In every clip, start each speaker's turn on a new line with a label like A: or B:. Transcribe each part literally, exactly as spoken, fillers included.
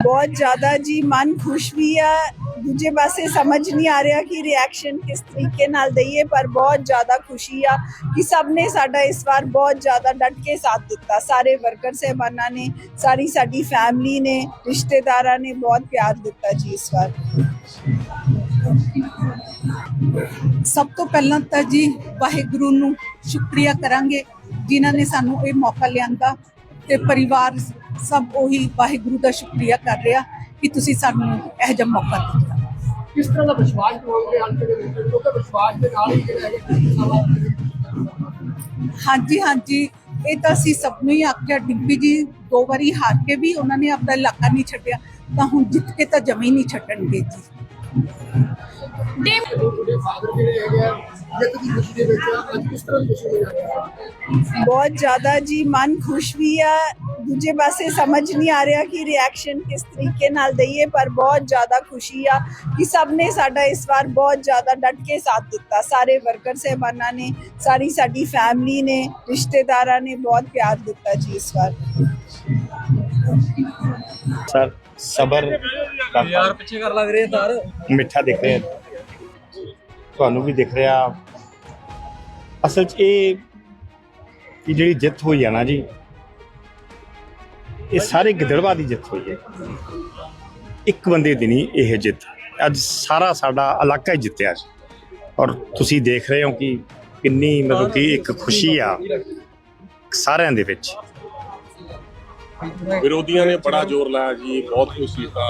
A: बहुत ज़्यादा जी मन खुश भी है, दूजे पासे समझ नहीं आ रहा कि रिएक्शन किस तरीके नाल दईए, पर बहुत ज़्यादा खुशी आ कि सब ने साडा इस बार बहुत ज़्यादा डट के साथ दिता। सारे वर्कर साहबाना ने, सारी साडी फैमिली ने, रिश्तेदारां ने बहुत प्यार दिता जी इस बार।
B: ਸਭ ਤੋਂ ਪਹਿਲਾਂ ਤਾਂ ਜੀ ਵਾਹਿਗੁਰੂ ਨੂੰ ਸ਼ੁਕਰੀਆ ਕਰਾਂਗੇ ਜਿਨ੍ਹਾਂ ਨੇ ਸਾਨੂੰ ਇਹ ਮੌਕਾ ਲਿਆਂਦਾ ਤੇ ਪਰਿਵਾਰ ਸਭ ਉਹੀ ਵਾਹਿਗੁਰੂ ਦਾ ਸ਼ੁਕਰੀਆ ਕਰ ਰਿਹਾ ਕਿ ਤੁਸੀਂ ਸਾਨੂੰ ਇਹ ਜਿਹਾ ਮੌਕਾ ਦਿੱਤਾ।
C: ਕਿਸ ਤਰ੍ਹਾਂ ਦਾ ਵਿਸ਼ਵਾਸ ਦਿਵਾਓਗੇ ਅੰਤ ਦੇ ਵਿੱਚ, ਕਿਉਂਕਿ ਵਿਸ਼ਵਾਸ ਦੇ ਨਾਲ ਹੀ ਜਿਹੜਾ ਹੈਗਾ।
B: ਹਾਂਜੀ ਹਾਂਜੀ ਇਹ ਤਾਂ ਅਸੀਂ ਸਭ ਨੂੰ ਹੀ ਆਖਿਆ। ਡਿੰਪੀ ਜੀ ਦੋ ਵਾਰੀ ਹਾਰ ਕੇ ਵੀ ਉਹਨਾਂ ਨੇ ਆਪਣਾ ਇਲਾਕਾ ਨਹੀਂ ਛੱਡਿਆ, ਤਾਂ ਹੁਣ ਜਿੱਤ ਕੇ ਤਾਂ ਜਮੀ ਨਹੀਂ ਛੱਡਣਗੇ ਜੀ।
C: ਤੁਹਾਡੇ ਫਾਦਰ ਜਿਹੜੇ ਹੈਗੇ ਆ ਜਿੱਤ ਦੀ ਖੁਸ਼ੀ ਦੇ ਵਿੱਚ ਅੱਜ ਕਿਸ ਤਰ੍ਹਾਂ ਦੀ ਖੁਸ਼ੀ ਹੈ?
A: बहुत ज़्यादा जी मन खुश भी है, दूजे पासे समझ नहीं आ रहा कि रिएक्शन किस तरीके नाल दईए, पर बहुत ज़्यादा खुशी आ कि सब ने साडा इस बार बहुत ज़्यादा डट के साथ दिता। सारे वर्कर साहबाना ने, सारी साडी फैमिली ने, रिश्तेदारां ने बहुत प्यार दिता जी इस बार।
D: सर सबर
E: यार ਪਿੱਛੇ ਕਰ ਲੱਗ ਰਹੇ ਸਰ
D: ਮਿੱਠਾ ਦਿਖ ਰਿਹਾ, ਤੁਹਾਨੂੰ ਵੀ ਦਿਖ ਰਿਹਾ। ਅਸਲ 'ਚ ਇਹ ਕਿ ਜਿਹੜੀ ਜਿੱਤ ਹੋਈ ਆ ਨਾ ਜੀ, ਇਹ ਸਾਰੇ ਗਿੱਦੜਬਾਹ ਦੀ ਜਿੱਤ ਹੋਈ ਹੈ। ਇੱਕ ਬੰਦੇ ਦੀ ਨਹੀਂ ਇਹ ਜਿੱਤ, ਅੱਜ ਸਾਰਾ ਸਾਡਾ ਇਲਾਕਾ ਹੀ ਜਿੱਤਿਆ ਜੀ। ਔਰ ਤੁਸੀਂ ਦੇਖ ਰਹੇ ਹੋ ਕਿ ਕਿੰਨੀ ਮਤਲਬ ਕਿ ਇੱਕ ਖੁਸ਼ੀ ਆ ਸਾਰਿਆਂ ਦੇ ਵਿੱਚ।
F: ਵਿਰੋਧੀਆਂ ਨੇ ਬੜਾ ਜ਼ੋਰ ਲਾਇਆ ਜੀ, ਬਹੁਤ ਕੁਛ ਕੀਤਾ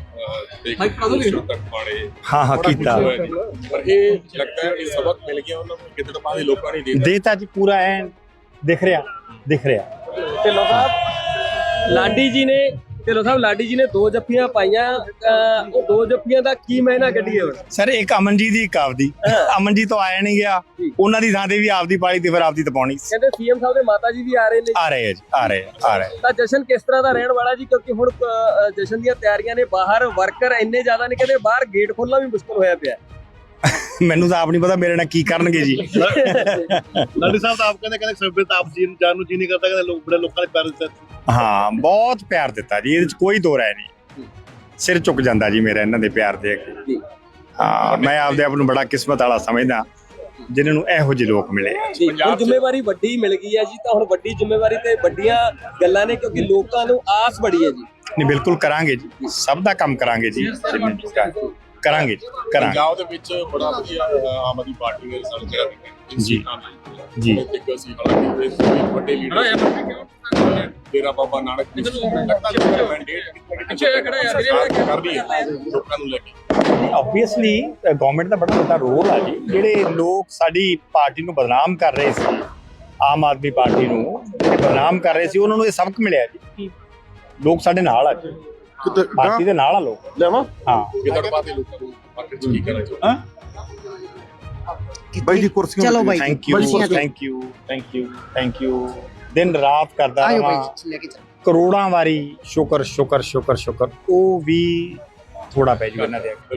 D: ਹਾਂ ਹਾਂ ਕੀਤਾ,
F: ਪਰ ਇਹ ਲੱਗਦਾ ਹੈ ਕਿ ਸਬਕ ਮਿਲ ਗਿਆ ਉਹਨਾਂ ਨੂੰ, ਗਿੱਦੜਬਾਹ ਦੇ ਲੋਕਾਂ ਨੇ ਦੇ ਦਿੱਤਾ।
D: ਦੇਤਾ ਜੀ ਪੂਰਾ ਐਨ ਦਿਖ ਰਿਹਾ ਦਿਖ ਰਿਹਾ।
E: ਢਿੱਲੋਂ ਸਾਹਿਬ ਲਾਡੀ ਜੀ ਨੇ ਢਿੱਲੋਂ ਸਾਹਿਬ ਲਾਡੀ ਜੀ ਨੇ ਦੋ ਜੱਫੀਆਂ ਪਾਈਆਂ, ਅਹ ਉਹ ਦੋ ਜੱਫੀਆਂ ਦਾ ਕੀ ਮਾਇਨਾ ਕੱਢੀਏ ਹੁਣ?
D: ਸਰ ਇੱਕ ਅਮਨਜੀਤ ਦੀ ਇੱਕ ਆਪਦੀ, ਅਮਨਜੀਤ ਤੋਂ ਆਇਆ ਨਹੀਂ ਗਿਆ, ਉਹਨਾਂ ਦੀ ਥਾਂ ਤੇ ਵੀ ਆਪਦੀ ਪਾਲੀ ਤੇ ਫਿਰ ਆਪਦੀ ਤਾਂ ਪਾਉਣੀ।
E: ਕਹਿੰਦੇ ਸੀਐਮ ਸਾਹਿਬ ਦੇ ਮਾਤਾ ਜੀ ਵੀ ਆ ਰਹੇ ਨੇ।
D: ਆ ਰਹੇ ਆ ਜੀ, ਆ ਰਹੇ ਆ ਰਹੇ
E: ਤਾਂ ਜਸ਼ਨ ਕਿਸ ਤਰ੍ਹਾਂ ਦਾ ਰਹਿਣ ਵਾਲਾ ਜੀ? ਕਿਉਂਕਿ ਹੁਣ ਅਹ, ਜਸ਼ਨ ਦੀਆਂ ਤਿਆਰੀਆਂ ਨੇ, ਬਾਹਰ ਵਰਕਰ ਇੰਨੇ ਜ਼ਿਆਦਾ ਨੇ, ਕਹਿੰਦੇ ਬਾਹਰ ਗੇਟ ਖੋਲਣਾ ਵੀ ਮੁਸ਼ਕਲ ਹੋਇਆ ਪਿਆ।
D: ਮੈਨੂੰ ਤਾਂ ਆਪ ਨਹੀਂ ਪਤਾ ਮੇਰੇ ਨਾਲ ਕੀ ਕਰਨਗੇ ਜੀ।
G: ਲਾਡੀ ਸਾਹਿਬ ਤਾਂ ਆਪ ਕਹਿੰਦੇ ਕਹਿੰਦੇ ਸਰਬੇ ਤਾਂ ਆਪ ਜੀ ਜਾਨ ਨੂੰ ਜੀ ਨਹੀਂ ਕਰਦਾ, ਕਹਿੰਦੇ ਲੋਕ ਬੜੇ ਲੋਕਾਂ ਨੇ ਪਿਆਰ ਦਿੱਤਾ।
D: ਹਾਂ ਬਹੁਤ ਪਿਆਰ ਦਿੱਤਾ ਜੀ, ਇਹਦੇ ਚ ਕੋਈ ਦੋ ਰਾਏ ਨਹੀਂ। ਸਿਰ ਝੁਕ ਜਾਂਦਾ ਜੀ ਮੇਰਾ ਇਹਨਾਂ ਦੇ ਪਿਆਰ ਦੇ ਅੱਗੇ। ਹਾਂ ਮੈਂ ਆਪਦੇ ਆਪ ਨੂੰ ਬੜਾ ਕਿਸਮਤ ਵਾਲਾ ਸਮਝਦਾ ਜਿਨ੍ਹਾਂ ਨੂੰ ਇਹੋ ਜਿਹੇ ਲੋਕ ਮਿਲੇ ਆ।
E: ਹੁਣ ਜ਼ਿੰਮੇਵਾਰੀ ਵੱਡੀ ਮਿਲ ਗਈ ਹੈ ਜੀ, ਤਾਂ ਹੁਣ ਵੱਡੀ ਜ਼ਿੰਮੇਵਾਰੀ ਤੇ ਵੱਡੀਆਂ ਗੱਲਾਂ ਨੇ, ਕਿਉਂਕਿ ਲੋਕਾਂ ਨੂੰ ਆਸ ਬੜੀ ਹੈ ਜੀ।
D: ਨਹੀਂ ਬਿਲਕੁਲ ਕਰਾਂਗੇ ਜੀ, ਸਭ ਦਾ ਕੰਮ ਕਰਾਂਗੇ ਜੀ, ਕਰਾਂਗੇ ਜੀ ਕਰਾਂਗੇ।
F: ਪੰਜਾਬ ਦੇ ਵਿੱਚ ਬੜਾ ਵਧੀਆ ਆਮ ਆਦਮੀ ਪਾਰਟੀ ਨੇ ਰਿਜ਼ਲਟ ਜਿਹੜਾ ਦਿੱਤਾ
D: ਜੀ ਜੀ।
F: ਇੱਕ ਅਸੀਂ ਹਾਲਾਂਕਿ ਵੱਡੇ ਲੀਡਰ ਤੇਰਾ ਬਾਬਾ ਨਾਨਕ ਲੱਗਦਾ ਕਿ ਮੈਂਡੇਟ ਪਿੱਛੇ ਖੜਾ ਯਾਰ ਕਰਦੀ ਹੈ ਲੋਕਾਂ ਨੂੰ ਲੈ ਕੇ।
D: ਆਬਵੀਅਸਲੀ ਗਵਰਨਮੈਂਟ ਦਾ ਬੜਾ ਵੱਡਾ ਰੋਲ ਆ ਜੀ। ਜਿਹੜੇ ਲੋਕ ਸਾਡੀ ਪਾਰਟੀ ਨੂੰ ਬਦਨਾਮ ਕਰ ਰਹੇ ਸੀ, ਆਮ ਆਦਮੀ ਪਾਰਟੀ ਨੂੰ ਜਿਹੜੇ ਬਦਨਾਮ ਕਰ ਰਹੇ ਸੀ, ਉਹਨਾਂ ਨੂੰ ਇਹ ਸਬਕ ਮਿਲਿਆ ਜੀ। ਲੋਕ ਸਾਡੇ ਨਾਲ ਆ ਜੀ, ਪਾਰਟੀ ਦੇ ਨਾਲ ਆ ਲੋਕ।
G: ਲੈਵਾ
D: ਹਾਂ
F: ਗਿੱਦੜਬਾਹ ਦੇ ਲੋਕਾਂ ਨੂੰ ਮਾਰਕੀਟ 'ਚ ਕੀ ਕਰਨਾ ਚਾਹੁੰਦੇ?
G: ਬਾਈ ਜੀ ਕੁਰਸੀਆਂ
B: ਚਲੋ ਬਾਈ
D: thank you thank you thank you thank you. ਦਿਨ ਰਾਤ ਕਰਦਾ ਰਹਾਂ, ਕਰੋੜਾਂ ਵਾਰੀ ਸ਼ੁਕਰ ਸ਼ੁਕਰ ਸ਼ੁਕਰ ਸ਼ੁਕਰ, ਉਹ ਵੀ ਥੋੜਾ ਪੈ ਜੂ ਇਹਨਾਂ ਦੇ।